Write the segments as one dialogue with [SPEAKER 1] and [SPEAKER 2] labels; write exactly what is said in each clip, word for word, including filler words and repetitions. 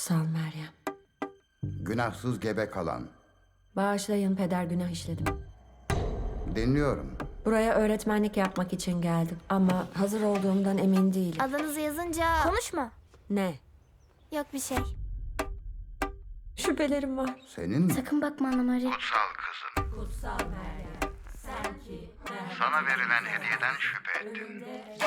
[SPEAKER 1] Kutsal Meryem.
[SPEAKER 2] Günahsız gebe kalan.
[SPEAKER 1] Bağışlayın, peder, günah işledim.
[SPEAKER 2] Dinliyorum.
[SPEAKER 1] Buraya öğretmenlik yapmak için geldim ama hazır olduğumdan emin değilim.
[SPEAKER 3] Adınızı yazınca... Konuşma.
[SPEAKER 1] Ne?
[SPEAKER 3] Yok bir şey.
[SPEAKER 1] Şüphelerim var.
[SPEAKER 2] Senin mi?
[SPEAKER 3] Sakın bakma Anna Maria.
[SPEAKER 4] Kutsal kızım.
[SPEAKER 1] Kutsal Meryem, sen ki
[SPEAKER 4] Sana verilen hediyeden şüphe ettim.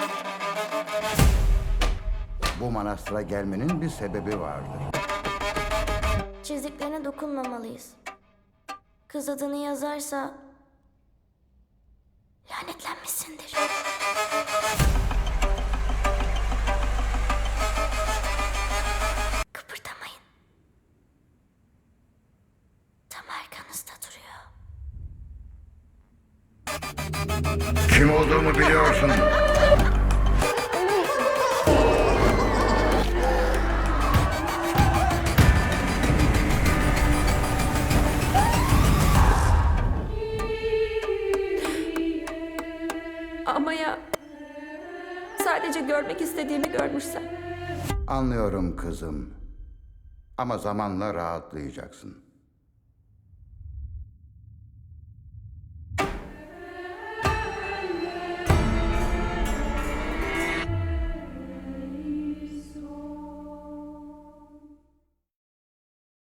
[SPEAKER 2] Bu manastıra gelmenin bir sebebi vardır.
[SPEAKER 3] Çizdiklerine dokunmamalıyız. Kız adını yazarsa... lanetlenmişsindir. Kıpırdamayın. Tam arkanızda duruyor.
[SPEAKER 4] Kim olduğumu biliyorsun.
[SPEAKER 1] Ama ya sadece görmek istediğimi görmüşsem?
[SPEAKER 2] Anlıyorum kızım. Ama zamanla rahatlayacaksın.